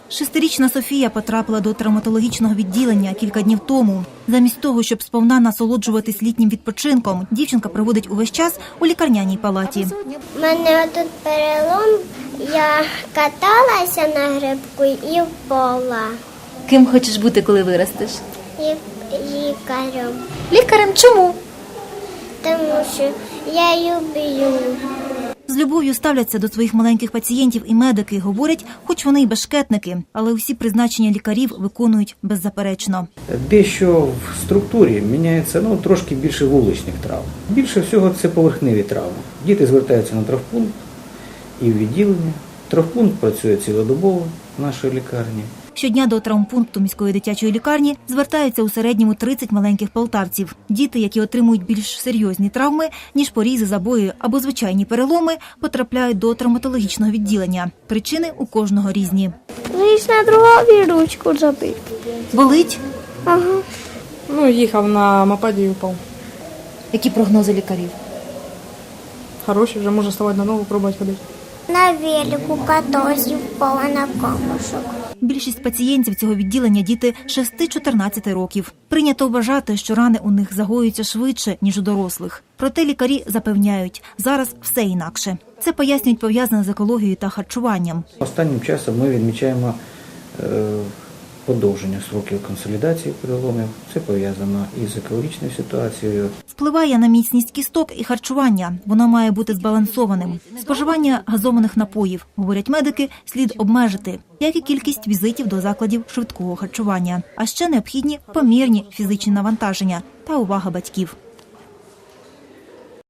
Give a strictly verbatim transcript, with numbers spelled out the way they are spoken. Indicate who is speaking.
Speaker 1: Шестирічна Софія потрапила до травматологічного відділення кілька днів тому. Замість того, щоб сповна насолоджуватись літнім відпочинком, дівчинка проводить увесь час у лікарняній палаті.
Speaker 2: У мене тут перелом, я каталася на грибку і впала.
Speaker 1: Ким хочеш бути, коли виростеш?
Speaker 2: І лікарем.
Speaker 1: Лікарем чому?
Speaker 2: Тому що я люблю.
Speaker 1: З любов'ю ставляться до своїх маленьких пацієнтів і медики, говорять, хоч вони й бешкетники, але усі призначення лікарів виконують беззаперечно.
Speaker 3: Дещо в структурі міняється ну, трошки більше вуличних травм. Більше всього це поверхневі травми. Діти звертаються на травмпункт і в відділення. Травмпункт працює цілодобово в нашій лікарні.
Speaker 1: Щодня до травмпункту міської дитячої лікарні звертаються у середньому тридцять маленьких полтавців. Діти, які отримують більш серйозні травми, ніж порізи, забої або звичайні переломи, потрапляють до травматологічного відділення. Причини у кожного різні.
Speaker 2: Лиш на другу ручку забив.
Speaker 1: Болить?
Speaker 2: Ага.
Speaker 4: Ну, їхав на мопеді і впав.
Speaker 1: Які прогнози лікарів?
Speaker 4: Хороший, вже може ставати на ногу, пробувати ходити.
Speaker 2: На велику катався, впала на камушок.
Speaker 1: Більшість пацієнтів цього відділення – діти шести-чотирнадцяти років. Прийнято вважати, що рани у них загоюються швидше, ніж у дорослих. Проте лікарі запевняють, зараз все інакше. Це пояснюють пов'язане з екологією та харчуванням.
Speaker 3: Останнім часом ми відмічаємо е, подовження строків консолідації переломів. Це пов'язано із екологічною ситуацією.
Speaker 1: Впливає на міцність кісток і харчування. Воно має бути збалансованим. Споживання газованих напоїв, говорять медики, слід обмежити, як і кількість візитів до закладів швидкого харчування. А ще необхідні помірні фізичні навантаження та увага батьків.